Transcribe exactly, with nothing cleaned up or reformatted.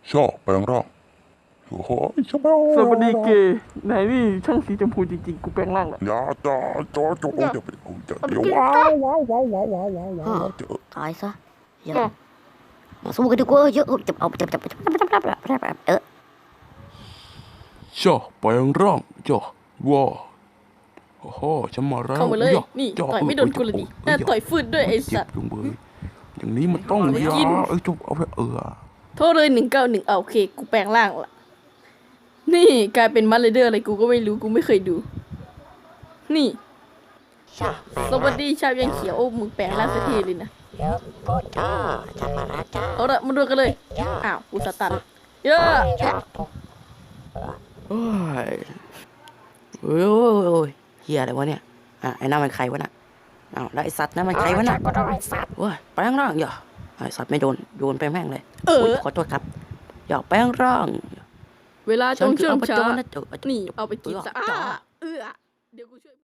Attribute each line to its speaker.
Speaker 1: ชอบแปลงร่างโอ้โหชอบ
Speaker 2: สวัสดีเกย์ไหนนี่ช่างสีชมพูจริงๆกูแปลงร่างแล้ว
Speaker 1: อย่าจ้าจ้าจ้าจะไปกูจะเดี๋ยวว้าวว้าวว้าวว้าวว้าวว้าวว้าวเจอ
Speaker 3: ตายซะอย่ามาสู้กันดีกว่าเยอะจับเอาจับจับจับจับจับจับจับเออ
Speaker 1: ชอบแปลงร่างจ้าว้าวโอ้โหฉันมาแล้ว
Speaker 2: เข้ามาเลยนี่ต่อยไม่โดนกูเลยดิน่าต่อยฟืดด้วยไอ้สัตว์
Speaker 1: จุงเบยอย่างนี้มันต้องยาเอ้ยจุกเอาไปเออ
Speaker 2: โทษเลยหนึ่งเก้าหนึ่งเอาโอเคกูแปลงร่างละนี่กลายเป็นมัดเลเดอร์อะไรกูก็ไม่รู้กูไม่เคยดูนี่สวัสดีชาวยังเขียวโอ้มึงแปลงร่างสักทีเลยนะเอาละมาดูกันเลยอ้าวกูสตันเยอะ
Speaker 3: โอ้ยโอ้ยโอ้ยโอ้ยเฮียอะไรวะเนี่ยอ่ะไอ้นั่นมันใครวะน่ะอ้าวแล้วไอ้สัตว์นั่นมันใครวะน่ะโอ้ยแปลงร่างอย่าไอ้สัตว์ไม่โดนโยนไปแม่งเลย
Speaker 2: เออ
Speaker 3: ขอโทษครับอย่าแปลงร่าง
Speaker 2: เวลาจงเชื่อมช้า
Speaker 3: ฉันคืออบจนะเจ้า
Speaker 2: นี่เอาไปกินซะอ่าเออเดี๋ยวกูช่วย